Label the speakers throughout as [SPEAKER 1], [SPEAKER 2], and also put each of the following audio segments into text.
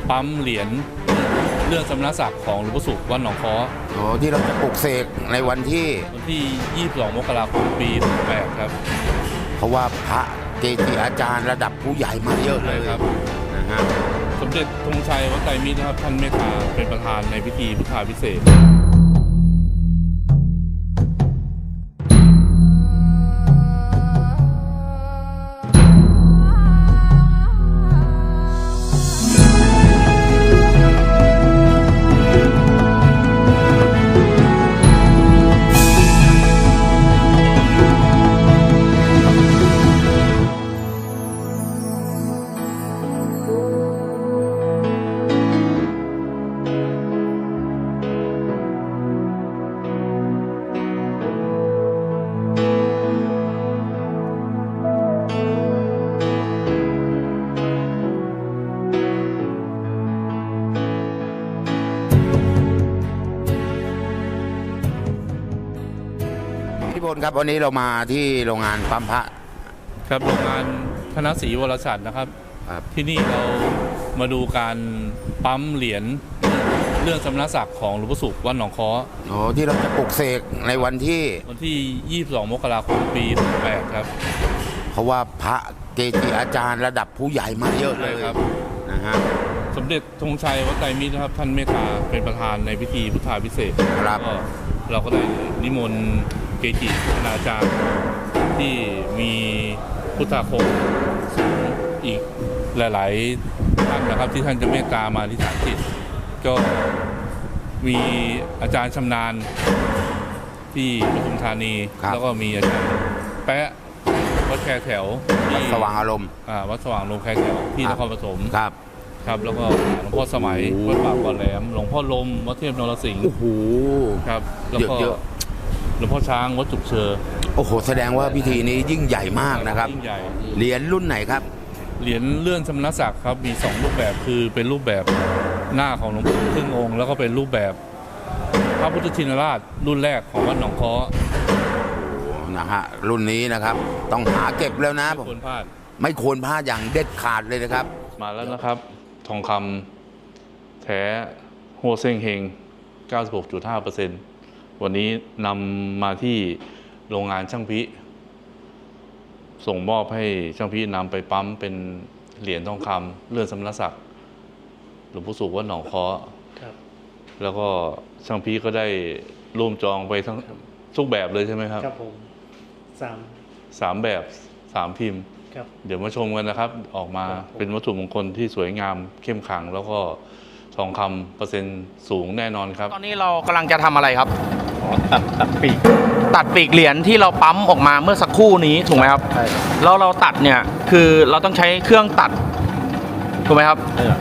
[SPEAKER 1] ปั๊มเหรียญเรื่องสมณศักดิ์ของหลวงพ่อสุขวัดหนองค้อ
[SPEAKER 2] ที่เราจะปลุกเสกในวันที่
[SPEAKER 1] 22 มกราคม ปี 68 ครับ
[SPEAKER 2] เพราะว่าพระเกจิอาจารย์ระดับผู้ใหญ่มาเยอะเลย
[SPEAKER 1] ครับ
[SPEAKER 2] นะฮะ
[SPEAKER 1] สมเด็จธงชัยวัดไตรมิตรนะครับท่านเมตตาเป็นประธานในพิธีพุทธาภิเษก
[SPEAKER 2] พี่พลครับวันนี้เรามาที่โรงงานปั๊มพระ
[SPEAKER 1] ครับโรงงานธนศรีวรชัดนะครับที่นี่เรามาดูการปั๊มเหรียญเรื่องสมณศักดิ์ของหลวงพ่อสุขวัดหนองค้อ
[SPEAKER 2] ที่เราจะปลุกเสกในวันที่
[SPEAKER 1] 22 มกราคม ปี 68 ครับ
[SPEAKER 2] เพราะว่าพระเกจิอาจารย์ระดับผู้ใหญ่มาเยอะเลย
[SPEAKER 1] ครับ
[SPEAKER 2] นะฮะ
[SPEAKER 1] สมเด็จธงชัยวัดไตรมิตรนะครับท่านเมตตาเป็นประธานในพิธีพุทธาภิเษก
[SPEAKER 2] ครับ
[SPEAKER 1] เราก็ได้นิมนต์เกจิคณาจารย์ที่มีพุทธาคมอีกหลายๆท่านนะครับที่ท่านจะเมตตามาที่ฐานจิตก็มีอาจารย์ชำนาญที่ปทุมธานีแล้วก็มีอาจารย์แปะวัดแคแถว
[SPEAKER 2] วัดสว่างอารมณ์
[SPEAKER 1] วัดสว่างอารมณ์แคแถวที่นครปฐม
[SPEAKER 2] ครับ
[SPEAKER 1] แล้วก็หลวงพ่อสมัยวัดป่าก่อนแหลมหลวงพ่อลมวัดเทพนรสิงห์ครับแล้วก็หลวงพ่อช้างวัดจุกเชอ
[SPEAKER 2] แสดงว่าพิธีนี้ยิ่งใหญ่มากนะครับ
[SPEAKER 1] ยิ่งใหญ่
[SPEAKER 2] เหรียญรุ่นไหนครับ
[SPEAKER 1] เหรียญเลื่อนสมณศักดิ์ครับมี2รูปแบบคือเป็นรูปแบบหน้าของหลวงปู่ครึ่งองค์แล้วก็เป็นรูปแบบพระพุทธชินราชรุ่นแรกของวัดหนองค้อ
[SPEAKER 2] นะฮะรุ่นนี้นะครับต้องหาเก็บแล้วนะ
[SPEAKER 1] ไม่ควรพลาด
[SPEAKER 2] อย่างเด็ดขาดเลยนะครับ
[SPEAKER 1] มาแล้วนะครับทองคำแท้โฮเซ่งเฮง 96.5% วันนี้นำมาที่โรงงานช่างพิส่งมอบให้ช่างพินำไปปั๊มเป็นเหรียญทองคำเลื่อนสมณศักดิ์หลวงพ่อสุขวัดหนองค้อแล้วก็ช่างพิก็ได้ร่วมจองไปทั้งทุกแบบเลยใช่ไหมครับ
[SPEAKER 3] ครับผม
[SPEAKER 1] สามแบบ3 พิมพ์เดี๋ยวมาชมกันนะครับออกมาเป็นวัตถุมงคลที่สวยงามเข้มขลังแล้วก็ทองคำเปอร์เซ็นต์สูงแน่นอนครับ
[SPEAKER 3] ตอนนี้เรากำลังจะทำอะไรครับตัดปีกเหรียญที่เราปั๊มออกมาเมื่อสักครู่นี้ถูกไหมครับใช่แล้วเราตัดเนี่ยคือเราต้องใช้เครื่องตัดถูกไหมครับ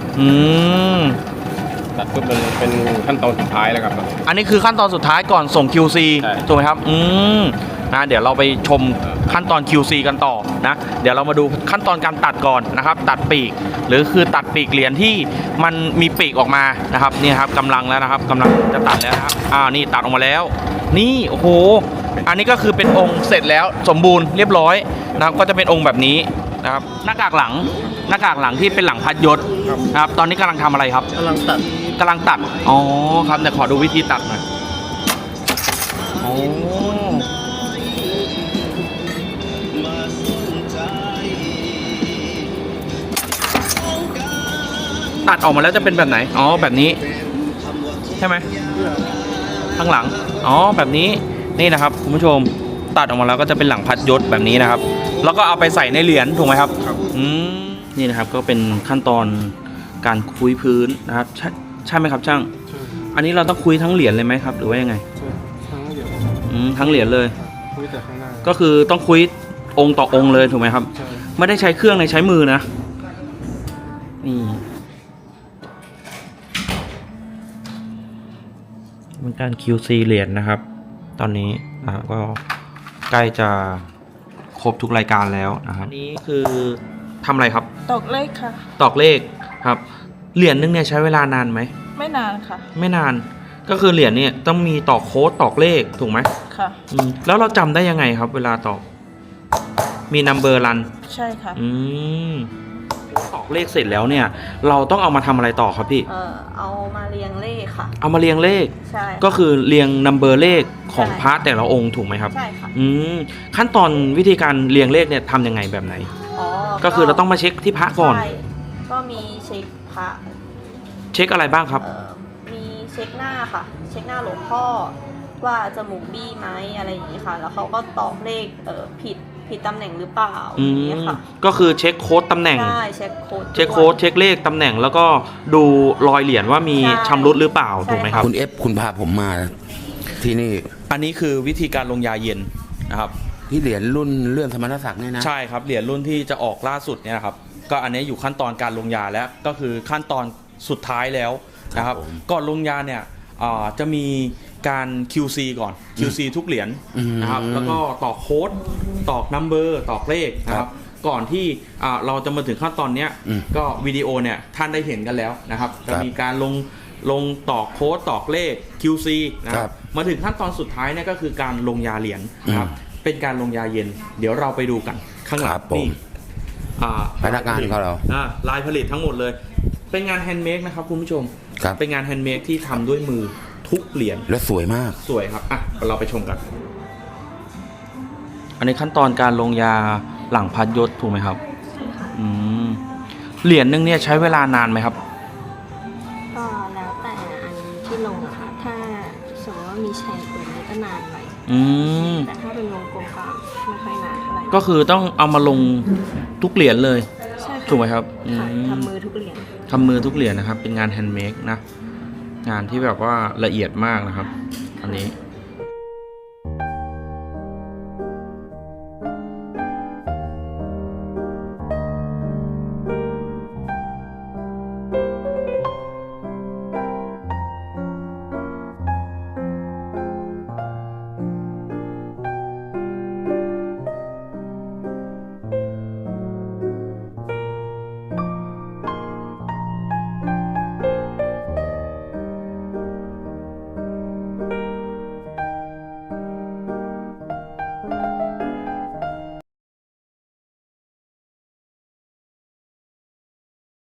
[SPEAKER 4] ตัดก็เป็นขั้นตอนสุดท้ายแล้วครับ
[SPEAKER 3] อันนี้คือขั้นตอนสุดท้ายก่อนส่ง QC ถูกไหมครับนะเดี๋ยวเราไปชมขั้นตอน QC กันต่อนะเดี๋ยวเรามาดูขั้นตอนการตัดก่อนนะครับตัดปีกหรือคือตัดปีกเหรียญที่มันมีปีกออกมานะครับนี่ครับกำลังแล้วนะครับกำลังจะตัดแล้วนะครับนี่ตัดออกมาแล้วนี่โอ้โหอันนี้ก็คือเป็นองค์เสร็จแล้วสมบูรณ์เรียบร้อยนะครับก็จะเป็นองค์แบบนี้นะครับหน้ากากหลังที่เป็นหลังพัดยศนะครับตอนนี้กำลังทำอะไรครับกำลังตัดอ๋อครับแต่ขอดูวิธีตัดหน่อยตัดออกมาแล้วจะเป็นแบบไหนแบบนี้ใช่ไหมข้างหลังแบบนี้นี่นะครับคุณผู้ชมตัดออกมาแล้วก็จะเป็นหลังพัดยศแบบนี้นะครับแล้วก็เอาไปใส่ในเหรียญถูกไหมครับนี่นะครับก็เป็นขั้นตอนการคุยพื้นนะครับใช่ไหมครับช่างอันนี้เราต้องคุยทั้งเหรียญเลยไหมครับหรือว่ายังไงทั้งเหรียญเลยคุยแต่ข้างหน้าก็คือต้องคุยองค์ต่อองค์เลยถูกไหมครับไม่ได้ใช้เครื่องในใช้มือนะนี่เป็นการ QC เหรียญนะครับตอนนี้ก็ใกล้จะครบทุกรายการแล้วนะครับอันนี้คือทำอะไรครับ
[SPEAKER 5] ตอกเลขค่ะ
[SPEAKER 3] ตอกเลขครับเหรียญนึงเนี่ยใช้เวลานานไหม
[SPEAKER 5] ไม่นานค่ะ
[SPEAKER 3] ไม่นานก็คือเหรียญเนี่ยต้องมีตอกโค้ดตอกเลขถูกไหม
[SPEAKER 5] ค่ะ
[SPEAKER 3] แล้วเราจำได้ยังไงครับเวลาตอกมีนัมเบอร์รัน
[SPEAKER 5] ใช่ค่ะ
[SPEAKER 3] ตอกเลขเสร็จแล้วเนี่ย เราต้องเอามาทำอะไรต่อครับพี่
[SPEAKER 5] เอามาเรียงเลขค่ะ
[SPEAKER 3] เอามาเรียงเลข
[SPEAKER 5] ใช่ค่ะ
[SPEAKER 3] ก็คือเรียงนัมเบอร์เลขของ
[SPEAKER 5] ใช่
[SPEAKER 3] พระแต่ละองค์ถูกไหมครับ
[SPEAKER 5] ใช่ค่ะ
[SPEAKER 3] ขั้นตอนวิธีการเรียงเลขเนี่ยทำยังไงแบบไหน
[SPEAKER 5] อ๋อ
[SPEAKER 3] ก็คือเราต้องมาเช็คที่พระก่อน
[SPEAKER 5] ใช่ก็มีเช็คพระ
[SPEAKER 3] เช็คอะไรบ้างครับ
[SPEAKER 5] มีเช็คหน้าค่ะ เช็คหน้าหลวงพ่อว่าจมูกบี้ไหมอะไรอย่างนี้ค่ะ แล้วเขาก็ตอกเลขผิดตำแหน่งหรือเปล่าอย่างนี้ค่ะ
[SPEAKER 3] ก็คือเช็คโค้ดตำแหน่ง
[SPEAKER 5] ใช่เช็คโค้ด
[SPEAKER 3] เช็คโค้ดเช็คเลขตำแหน่งแล้วก็ดูรอยเหรียญว่ามี
[SPEAKER 5] ใช่
[SPEAKER 3] ชำรุดหรือเปล่า
[SPEAKER 5] ใช่
[SPEAKER 3] ถูกไหมครับ
[SPEAKER 2] คุณเอฟคุณพาผมมาที่นี่
[SPEAKER 3] อันนี้คือวิธีการลงยาเย็นนะครับ
[SPEAKER 2] ที่เหรียญรุ่นเลื่อนสมณศักดิ์เนี่ยนะ
[SPEAKER 3] ใช่ครับเหรียญรุ่นที่จะออกล่าสุดเนี่ยนะครับก็อันนี้อยู่ขั้นตอนการลงยาแล้วก็คือขั้นตอนสุดท้ายแล้วนะครับ
[SPEAKER 2] ครับผม
[SPEAKER 3] ก่อนลงยาเนี่ยจะมีการ QC ก่อน QC ทุกเหรียญนะครับแล้วก็ตอกโค้ดตอกนัมเบอร์ตอกเลขนะครับก่อนที่เราจะมาถึงขั้นตอนเนี้ยก็วิดีโอเนี่ยท่านได้เห็นกันแล้วนะครับจะมีการลงตอกโค้ดตอกเลข QC นะครับมาถึงขั้นตอนสุดท้ายเนี่ยก็คือการลงยาเหรียญนะครับเป็นการลงยาเย็น เดี๋ยวเราไปดูกันข้างหลั
[SPEAKER 2] ครั
[SPEAKER 3] ง
[SPEAKER 2] บผม
[SPEAKER 3] นี่
[SPEAKER 2] พนักงานของเรา
[SPEAKER 3] ลายผลิตทั้งหมดเลย เป็นงานแฮนด์เมดนะครับคุณผู้ชม
[SPEAKER 2] ครับ
[SPEAKER 3] เป็นงานแฮนด์เมดที่ทำด้วยมือทุกเหรียญ
[SPEAKER 2] และสวยมาก
[SPEAKER 3] สวยครับอ่ะเราไปชมกัน อันนี้ขั้นตอนการลงยาหลังพัดยศถูกไหมครับ
[SPEAKER 5] ใช่ค่ะ
[SPEAKER 3] อืมเหรียญหนึงเนี่ยใช้เวลานานไหมครับ
[SPEAKER 5] ก็แล้วแต่อันที่ลงอะค่ะ ถ้าสมมติว่ามีแชร์ตัวนี้ก็นานหน่อย
[SPEAKER 3] อืม
[SPEAKER 5] แต่ถ้าเป็นวงกลมก็ไม่ค่อยนานเท่าไหร่
[SPEAKER 3] ก็คือต้องเอามาลงทุกเหรียญเลย
[SPEAKER 5] ใช่ค่ะ
[SPEAKER 3] ถูกไหมครับ
[SPEAKER 5] ค่ะ
[SPEAKER 3] อืม
[SPEAKER 5] ทำมือทุกเหรียญ
[SPEAKER 3] ทำมือทุกเหรียญนะครับ เป็นงานแฮนด์เมดนะ งานที่แบบว่าละเอียดมากนะครับ อันนี้